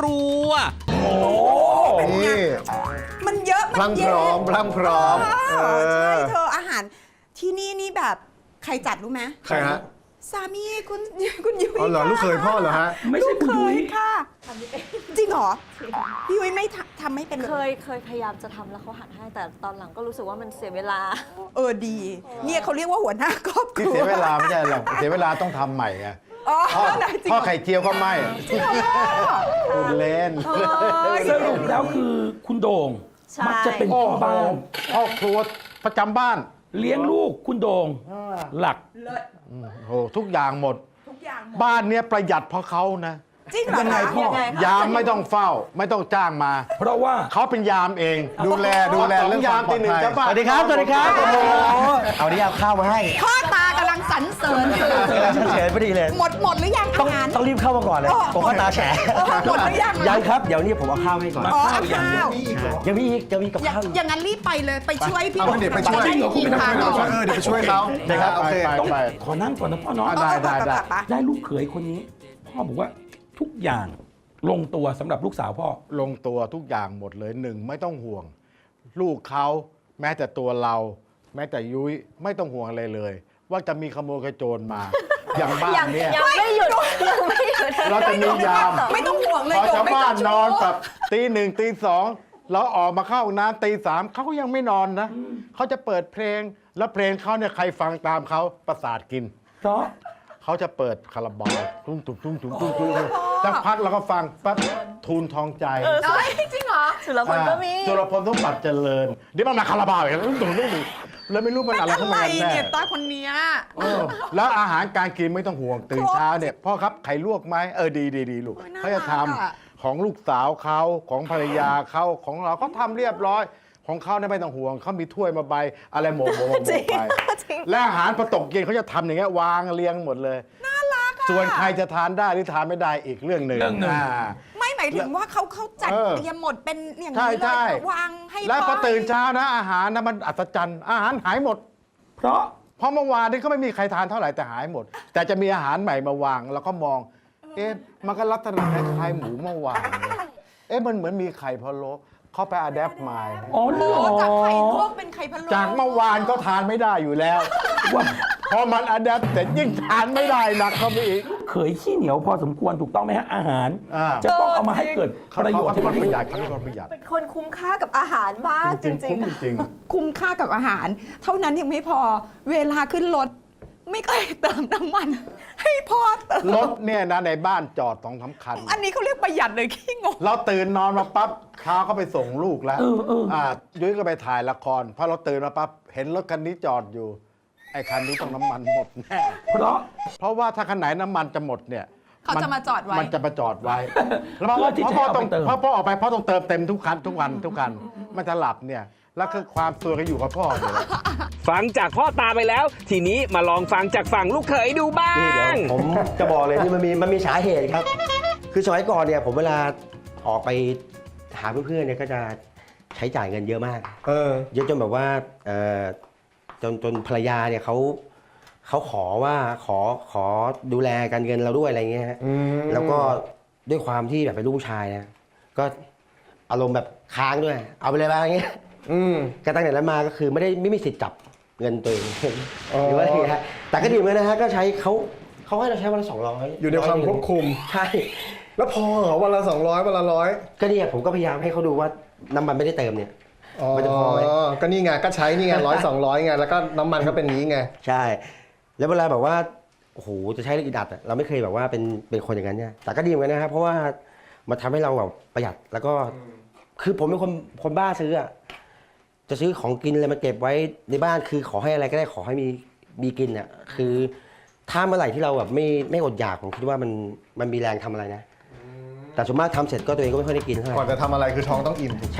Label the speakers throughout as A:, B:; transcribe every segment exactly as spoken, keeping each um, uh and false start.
A: รัวโอ้
B: นี่
C: มันเยอะมันเย
B: พร้อ
C: อะ
B: มพร้อมพร้อมเออ
C: ใช่เธออาหารที่นี่นี่แบบใครจัดรู้ไหม
B: ใครฮะ
C: สามีคุณคุณยุ้ย
B: อ๋อเหรอลูกเคยพ่อเหรอฮะ
D: ไม่ใช่คุณยุ้ย
C: ค่ะจริงเหรอพี่ยุ้ยไม่ทำทำไม่เป็น
E: เคยเคยพยายามจะทำแล้วเขาหัดให้แต่ตอนหลังก็รู้สึกว่ามันเสียเวลา
C: เออดี เนี่ยเขาเรียกว่าหัวหน้าครอบค
F: ที่
C: รัว
F: เสียเวลาไม่ใช่หรอกเสียเวลาต้องทำใหม่ไง
C: อ๋อ
F: พ่อ
C: ได้จริง
F: พ่อไข่เจียวก็ไม่คุณเล่น
D: สรุปแล้วคือคุณโด่ง
E: ใช่
D: มักจะเป็นพ่อบ้าน
F: พ่อครัวประจำบ้าน
D: เลี้ยงลูกคุณโด่งหลัก
F: โอ้ทุกอย่างหมด
C: ทุกอย่างหมด
F: บ้านเนี้ยประหยัดเพราะเขานะ
C: จริงเหรอ
D: ยังไง
C: คะ
D: พ่อ
E: ยังไงคะ
F: ยามไม่ต้องเฝ้า ไม่ต้องจ้างมา
D: เพราะว่า
F: เขาเป็นยามเอง ดูแลดูแลเรื่องยามตีหนึ่งจะบ้าน
G: สวัสดีครับ สวัสดีครับโอ้โหเอาดิเอาข้าวมาให้
C: พ่อตากำลังสรรเสริญอยู่
G: กำลังเฉยๆพอดีเลย
C: หมดหมดหรือยัง
G: ต้อ
C: อาง หาร
G: ต้องรีบเข้ามาก่อนเลย
C: อ๋อ
G: ผมก็ตาแฉะ
C: เออหมดหรือยัง
G: ยังครับ เดี๋ยวนี้ผมเอาข้าวให้ก่อน
C: อ๋อเอาข้าว
G: ยังมีอีกยังมีกับ
C: อย่าง
G: ข้าวอีก
C: อย่างนั้นรีบไปเลยไปช่วยพี่
B: เอาเดี๋ยวไปช่วย
C: จะด้กินทาน
B: เออเดี๋ยวไปช่วยเขา
F: ไปครับ
B: โอ
F: ไป
B: เค
F: ไป
D: ต้อง
F: ไป
D: ขอนั่งก่อนนะพ่อเนาะ
F: ได้ได้ได้
D: ได้ลูกเขยคนนี้ พ่อบอกว่าทุกอย่างลงตัวสำหรับลูกสาวพ่อ
F: ลงตัวทุกอย่างหมดเลยหนึ่งไม่ต้องห่วง ลูกเขาแม้แต่ตัวเรา แม้แต่ยุ้ยไม่ต้องห่วงอะไรเลย ว่าจะมีขโมยขโจรมา อย่างบ้าน
E: ยัง
F: เนี่ย
E: ยังไม่หยุดยังไม่หยุด
F: เราจะมียาม
C: ไม่ต้องห่วงเลย
F: พอชาวบ้านนอน
C: แบ
F: แบบตีหนึ่งตีสองเราออกมาเข้าห้องน้ำตีสามเขาก็ยังไม่นอนนะเขาจะเปิดเพลง แล้วเพลงเขาเนี่ยใครฟังตามเขาประสาทกิน
D: เพราะ
F: เขาจะเปิดคาราบาวตุ้งตุ้งตุ้งตุ้งตุ้งตุ้งสักพักเราก็ฟังปั๊บทูลทองใจ
C: จริงเหรอ
E: สุรพลก็มี
F: จุลพลต้องปัดเจริญเดี๋ยวมันมาคาราบาวอีกตุ้งตุ้งตุ้งตุ้งแล้วไม่รู้มันอะไร
C: ทำ
F: เข้า
C: ไม
F: มากันแน่
C: เนี่ยตาคนเนี้ย
F: เออแล้วอาหารการกินไม่ต้องห่วงตื่นเช้าเนี่ยพ่อครับไข่ลวกไหมเออดีดีดีลูก
C: โอ้ยน่า
F: เขาจะท
C: รักอะ
F: ำของลูกสาวเขาของภรรยาเขาของเราเขาทำเรียบร้อย ของเขาเนี่ยไม่ต้องห่วงเขามีถ้วยมาใบอะไรโหมกโหมกโหมก
E: จริง
F: ไป
E: จริง
F: และอาหารพอตกเย็นเขาจะทำอย่างเงี้ยวางเรียงหมดเลยน่ารักอ่ะส่วนใครจะทานได้หรือทานไม่ได้อีกเรื่องหนึ่ง
D: เรื่องหนึ่ง
F: อ่า
C: ไม่หมายถึงว่าเขาเขาจัด
F: เออ
C: เตรียมหมดเป็นอย่าง
F: ใช่
C: นี้เล
F: ใช่
C: ยวางให้
F: แล้วพอ
C: พ่
F: ตื่นเช้านะอาหารนะมันอัศจรรย์อาหารหายหมด
D: เพราะ
F: เพราะเมื่อวานนี้ก็ไม่มีใครทานเท่าไหร่แต่หายหมด แต่จะมีอาหารใหม่มาวางเราก็มอง เอ๊ะมันก็ลักษณะคล้ายๆหมูเมื่อวานเลยเอ๊ะมันเหมือนมีไข่พะโล้เขาไปอะแดปมา
D: อ๋อเหร
C: โอ้
D: อ
C: จากไข่ลวกเป็นไข่พะโล้
F: จากเมื่อวานก็ทานไม่ได้อยู่แล้ว
D: ว่า
F: พอมันอะแดปเสร็จยิ่งทานไม่ได้หนักเข้าไปอีก
D: เขยขี้เหนียวพอสมควรถูกต้องไหมฮะอาหาร
F: อ่า
D: จะต้องเอามาให้เกิด
F: เขา
D: ประโย
F: เขา
D: ชน์
F: เขา
D: ให้
F: เป็น
D: กับ
F: คน
D: ลู
F: ประหยัดเขา
D: ก
F: เป็นคนประหยัด
E: เป็นคนคุ้มค่ากับอาหารมาก
F: จ
E: จ
F: ริง
E: ริ
F: ๆ
E: ง
F: คุ้มจริง
C: คุ้มค่ากับอาหาร เท่านั้นยังไม่พอเวลาขึ้นรถไม่เคยเติมน้ำมัน ให้พ่อเติม
F: ๆรถเนี่ยนะในบ้านจอดสองสามคัน
C: อันนี้เขาเรียกประหยัดเลยขี้งก
F: เราตื่นนอนมาปั๊บเช้าก็ไปส่งลูกแล้ว
D: เออเอออ่
F: ายุ้ยก็ไปถ่ายละครพอเราตื่นมาปั๊บเห็นรถคันนี้จอดอยู่ ไอ้คันนี้ต้องน้ำมันหมดแน่
D: เพราะ
F: เพราะว่าถ้าคันไหนน้ำมันจะหมดเนี่ย
C: เขาจะมาจอดไว้
F: มันจะมาจอดไว้ แล้วพอ
D: เพื่อที่จะ
F: พ่อ
D: เอา
F: ต้อง
D: ไปเติม
F: พ่อพ่อออกไปพ่อต้องเติมเต็มทุกคันทุกวันทุกคันมันจะหลับเนี่ยแล้วคือความตัวก็อยู่กับพ่อเนี่ย
A: ฟังจากพ่อตาไปแล้ว ทีนี้มาลองฟังจากฝั่งลูกเขยดูบ้า
G: นี่เดี๋ยว
A: ง
G: ผมจะบอกเลยนี่มันมีมันมีสาเหตุครับ คือสมัยก่อนเนี่ยผมเวลาออกไปหาเพื่อนๆเนี่ยก็จะใช้จ่ายเงินเยอะมาก
B: เออ
G: เยอะจนแบบว่าเอ่อจนจนภรรยาเนี่ยเขาเขาขอว่าขอขอดูแลการเงินเราด้วยอะไรเงี้ยฮะ
B: อืม
G: แล้วก็ด้วยความที่แบบเป็นลูกผู้ชายนะก็อารมณ์แบบค้างด้วย เอาไปเลยบ้างเงี้ย
B: อืม
G: ก็ตั้งแต่นั้นมาก็คือไม่ได้ไม่มีสิทธิ์จับเงินตัวเอง
B: อ๋อ
G: หรือว่าอะไรฮะแต่ก็ดีเหมือนกันนะฮะก็ใช้เขาเขาให้เราใช้วันละสองร้อย
B: อยู่ในความควบคุม
G: ใช่
B: แล้วพอเหรอวันละสองร้อยวันละร้อย
G: ก็เนี่ยผมก็พยายามให้เขาดูว่าน้ำมันไม่ได้เติมเนี่ย
B: อ๋อ
G: มันจะพอไหม
B: ก็นี่ไงก็ใช้นี่ไงร้อยสองร้อยไงแล้วก็น้ำมันก็เป็นนี้ไง
G: ใช่ แล้วเวลาแบบว่าโอ้โหจะใช้เรื่องอีดัดอะเราไม่เคยแบบว่าเป็นเป็นคนอย่างนั้นเนี่ยแต่ก็ดีเหมือนกันนะครับเพราะว่ามันทำให้เราแบบประหยัดแล้วก็คือผมเป็นคนคนบ้าซื้ออะจะซื้อของกินอะไรมาเก็บไว้ในบ้านคือขอให้อะไรก็ได้ขอให้มีมีกินอะคือถ้าเมื่อไหร่ที่เราแบบไม่ไม่อดอยากผมคิดว่ามันมันมีแรงทำอะไรนะแต่ส่วนมากทำเสร็จก็ตัวเองก็ไม่ค่อยได้กินเท่าไห
B: ก่อน
G: ร่
B: จะทำอะไรคือท้องต้องอิ่มถูก
G: ใช่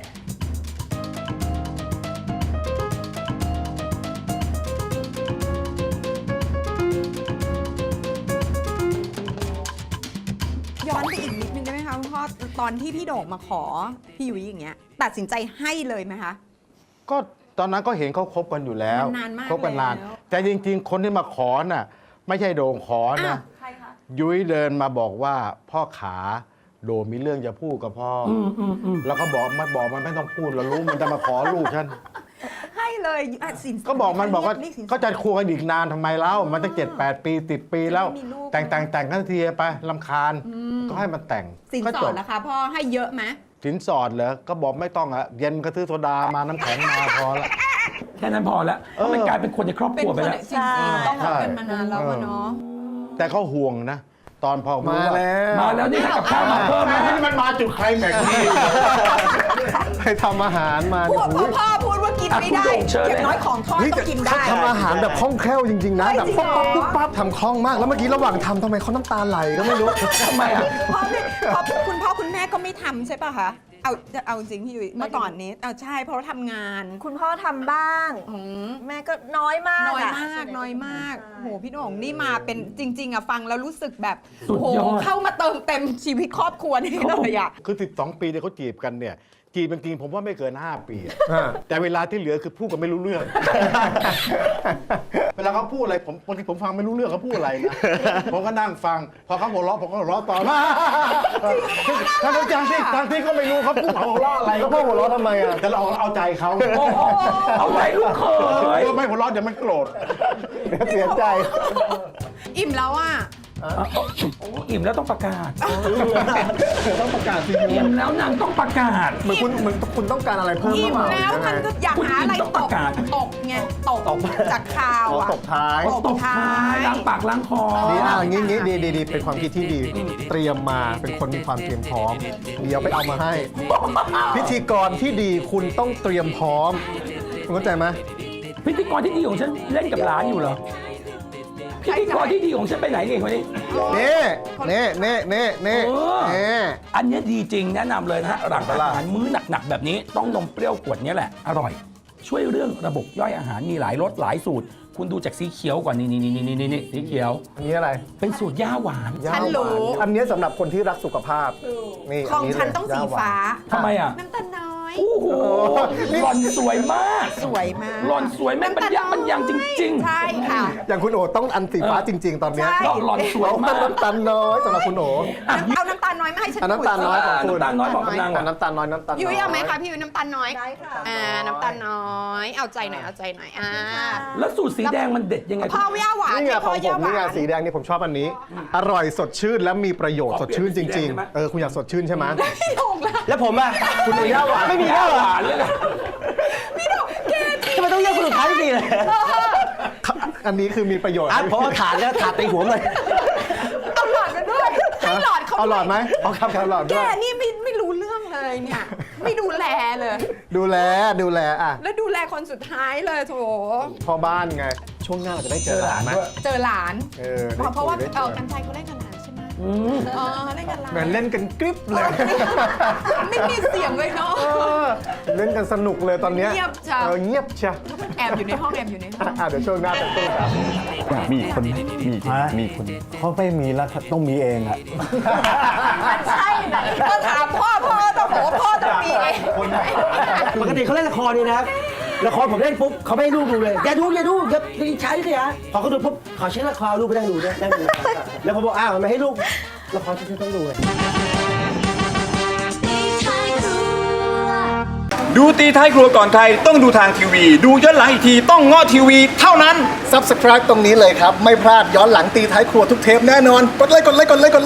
C: ย้อนไปอีกนิดนึงได้ไหมคะคุณพ่อตอนที่พี่โด่งมาขอพี่ยุ้ยอย่างเงี้ย ตัดสินใจให้เลยไหมคะ
F: ก็ตอนนั้นก็เห็นเขาคบกันอยู่แล้ว
C: มันนานมาก
F: คบกันนาน
C: แล้ว
F: แต่จริงๆ คนที่มาขอน่ะไม่ใช่โด่งขอนะ
C: อ้าว
E: ใครคะ
F: ยุ้ยเดินมาบอกว่าพ่อขาโดมีเรื่องจะพูดกับพ่ออ
D: มอืมอืม
F: แล้วก็บอกมันบอกมันไม่ต้องพูดเรารู้มันจะมาขอลูกฉัน
C: ให้เลยอ่ะสินสด
F: ก็บอกมันบอกว่า
C: เรียสินสด
F: ก็จะคุยกันอีกนานทำไมเล่ามันตั้งเจ็ดแปดปีติดปีแล้ว
C: ไม่มีลูก
F: แต่งแต่งแต่งกันทีไปลำคาญ ก็ให้มันแต่ง
C: สิน
F: ก็
C: ส
F: จ
C: อบ ดนะคะพ่อให้เยอะไหม
F: สินสอดเหรอก็บอกไม่ต้องอะเย็นก็ซื้อโซดามาน้ำแข็งมาพอละ
D: แค่นั้นพอแล้วเพราะมันกลายเป็นคนในครอบค
C: เป็น
D: รัว
C: ค
D: ไป
C: น
D: แล้ว
C: จริงๆต้องรักกันมานานแล้วอะเนาะ
F: แต่เขาห่วงนะ ตอนพอรู้
B: มา
F: ว่า
B: แล้ว
D: มาแล้วนี่กับข้าวมาเพิ่มนะ
F: มันมาจุดใครแม็กซ์นี่
B: ไปทำอาหารมา
C: พู
B: เนี่ย
C: ดพ่อพ่อพูดว่ากินไม่ได้
D: อ่ะคุณโด่งเชิญ
C: อย่างน้อย
D: เลย
C: ของทอด
B: เฮ้ย
C: ก็
B: แต่
C: กิน
B: เขา
C: ได้
B: ทำอาหารแบบคล่องแคล่วจริงๆนะ
C: เฮ้ย
B: แบบ
C: จริง
B: ปุ๊บ
C: เหรอ
B: ปั๊บปุ๊บปั๊บทำคล่องมาก แล้วเมื่อกี้ระหว่างทำทำไมเขาน้ำตาไหลก็ไม่รู้
D: ทำไมอ่ะ
C: พ่อไม่พ่อคุณพ่อคุณแม่ก็ไม่ทำใช่ป่ะคะเอาจะเอาจริงพี่ยุ้ยเมื่อก่อนนี้เอาใช่เพราะว่าทำงาน
E: คุณพ่อทำบ้าง
C: อืม
E: แม่ก็น้อยมาก
C: น้อย
E: ะ
C: มากน้อยมาก
E: ใช่
C: โหพี่โหน่งนี่มาเป็นจริง ๆอะฟังแล้วรู้สึกแบบ
D: สุด
C: โห
D: ยอด
C: เข้ามาเติมเต็มชีวิตครอบครัวนี่เลยอะ
F: คือสิบสองปีที่เขาจีบกันเนี่ย จีบจริงๆผมว่าไม่เกินห้าปีอะ
B: อ่า
F: แต่เวลาที่เหลือคือพูดกันไม่รู้เรื่อง เวลาเขาพูดอะไรผมบางทีผมฟังไม่รู้เรื่องเขาพูดอะไรนะ ผมก็นั่งฟัง พอเขาหัวเราะผมก็หัวเราะต่อมาทั้งที่ทั้งที่ทั้งที่ก็ไม่รู้เขาพูดหัวเราะอะไร
B: แล้วพ่อหัวเราะทำไมอ่ะ
F: แต่เราเอาเอาใจเขา
D: โอ้โหเอาใจลูกเขย
F: เออไม่หัวเราะเดี๋ยวมันโกรธ
B: เดี๋ยวเสียใจ
C: อิ่มแล้วอะ
D: อิ่มแล้วต้องประกาศ
B: ต้องประกาศจริง
D: อิ่มแล้วนางต้องประกาศ
B: เหมือนคุณเหมือนคุณต้องการอะไรเพิ่มหรื
C: อิ่
B: อ
C: ม
B: เปล่า
C: แล้วมันก็อยากหาอะไร
D: คุณอิ่มต้อง
C: ต
D: ประ
C: ก
D: กาศ
C: ตกไงตกจากข่าว
B: อ๋อ
C: อะ
B: ตบท้าย
C: ตบท้าย
D: ล้างปากล้างคอ
B: ดีอ่ะงี้งี้ดีดีดีเป็นความคิดที่ดี เตรียมมาเป็นคนมีความเตรียมพร้อม เดี๋ยวไปเอามาให้ พิธีกรที่ดีคุณต้องเตรียมพร้อมคุณเข้าใจไหม
D: พิธีกรที่ดีของฉันเล่นกับหลานอยู่เหรอพิธีกรที่ดีของฉันไปไหนเองคนนี้
B: เน่เน่เน่เน่เน่
D: เออ
B: เน่
D: อันเนี้ยดีจริงแนะนำเลยนะฮะหลังอาหารมื้อหนักๆแบบนี้ต้องนมเปรี้ยวขวดเนี้ยแหละ อร่อย ช่วยเรื่องระบบย่อยอาหารมีหลายรสหลายสูตร คุณดูจากสีเขียวก่อนนี่นี่นี่นี่นี่สีเขียว
B: อันนี้อะไร
D: เป็นสูตรย่าหวาน
B: ย่า
C: ฉัน
B: ห
C: รู้
B: วานอันนี้สำหรับคนที่รักสุขภาพนี่
C: ของ
B: เลย
C: ฉันต้องสี
B: ย่หว
C: ฟ้า
D: ทำไมอ่ะ
C: น้ำตาลน้อย
D: โอ้โหหล่อนสวยมาก
C: สวยมาก
D: หล่อนสวยแม่งบรรยับ
C: น้ำตาล
D: บรรยังจริง
C: ใช่ค่ะ
B: อย่างคุณโอต้องอันสีฟ้าจริง ๆ ตอนเนี้ย
C: ใช่
D: ๆหล่อนสวยมาก
B: น้ำตาลน้อยสำหรับคุณโอ
C: เอาน้ำตาลน้อยมาให้ฉัน
B: เอาน้ำตาลน้อยของคุณ
D: น้ำตาลน้อยบอกกำลัง
B: อ่ะน้ำตาลน้อยน้ำตาลน้อย
C: ยุ้ยเอาไหมคะพี่ยุ้ยน้ำตาลน้อย
E: ได้ค่ะ
C: อ่าน้ำตาลน้อย เอาใจหน่อยเอาใจหน่อยอ่า
D: แล้วสูตรสีแดงมันเด็ดยังไง
C: พ่อย่าหวาน
B: นี่ไง
C: ให้
B: ข
C: พ่
B: อ
C: อง
B: ผ
C: ย่าม ห
B: นี่ไง
C: วาน
B: สีแดงนี่ผมชอบอันนี้ อร่อยสดชื่นและมีประโยชน์
D: ข
B: ส
D: อ
B: ด
D: เปลี่ยน
B: ชื่นจ
D: เป็นสี
B: ริง
D: แดงได้ไหม
B: ๆ เออคุณอยากสดชื่นใช่ไหม
C: ถูกแล้ว
G: แล้วผมอ่ะ
B: คุณมีย่าหวาน
G: ไม่มีแล้วเหรอ
D: หวานเลยล่ะ
G: ทำไมต้องเรียกคนสุดท้ายที่ดีเลย
B: อันนี้คือมีประโยชน์
G: อ่ะเพราะว่าถาดแล้วถาดตีหัวเลย
C: เอาหลอดมาด้วยให้หลอดเขา
B: เอาหลอดไหม
C: ด้วย
B: เอาครับเอาหลอด
C: แก
B: ด้วย
C: นี่ไม่ไม่รู้เรื่องเลยเนี่ย ไม่ดูแลเลย
B: ดูแลดูแลอ่ะ
C: แล้วดูแลคนสุดท้ายเลยโถ
B: พ่อบ้านไง ช่วงหน้าเราจะได้เจอหลานไหม
C: เจอหลาน
B: เออ
C: เพราะเพราะว่า
B: ได้
C: เอ
B: คุ
C: อย กันใจเขาเล่นกับหลานใช่ไหม
D: อืม
C: เออเล่นกับหลาน
B: เหมือนเล่นกันกริ๊บเลย
C: ไม่มีเสียงเลยเนาะ
B: เออเล่นกันสนุกเลยตอนเนี้ย
C: เงียบจัง
B: เออเงียบจ้ะ
C: แอบอยู่ในห้องแอบอยู่ในห้อง
B: อ่ะเดี๋ยวช่วงหน้าเป็นตู้ครับ
H: มีคนไหมมีมีคนเขาไม่มีแล้วต้องมีเองอะ
C: มันใช่ไหนก็ถามพ่อพ่อต้องบอกว่าพ่อต้องมีเอง
G: ปกติเขาเล่นละครนี่นะครับละครผมเล่นปุ๊บเขาไม่ให้ลูกดูเลยอย่าดูอย่าดูอย่าดีใช้สิฮะพอเขาดูปุ๊บขอเช็คละครลูกไปนั่งดูด้วยนั่งดูแล้วผมบอกอ้าวทำไมให้ลูกละครฉันต้องดูเลย
H: ดูตีท้ายครัวก่อนใครต้องดูทางทีวี ดูย้อนหลังอีกทีต้องง้อทีวีเท่านั้น
B: Subscribe ตรงนี้เลยครับ ไม่พลาดย้อนหลังตีท้ายครัวทุกเทปแน่นอน กดไลค์กดไลค์กดไลค์กดไลค์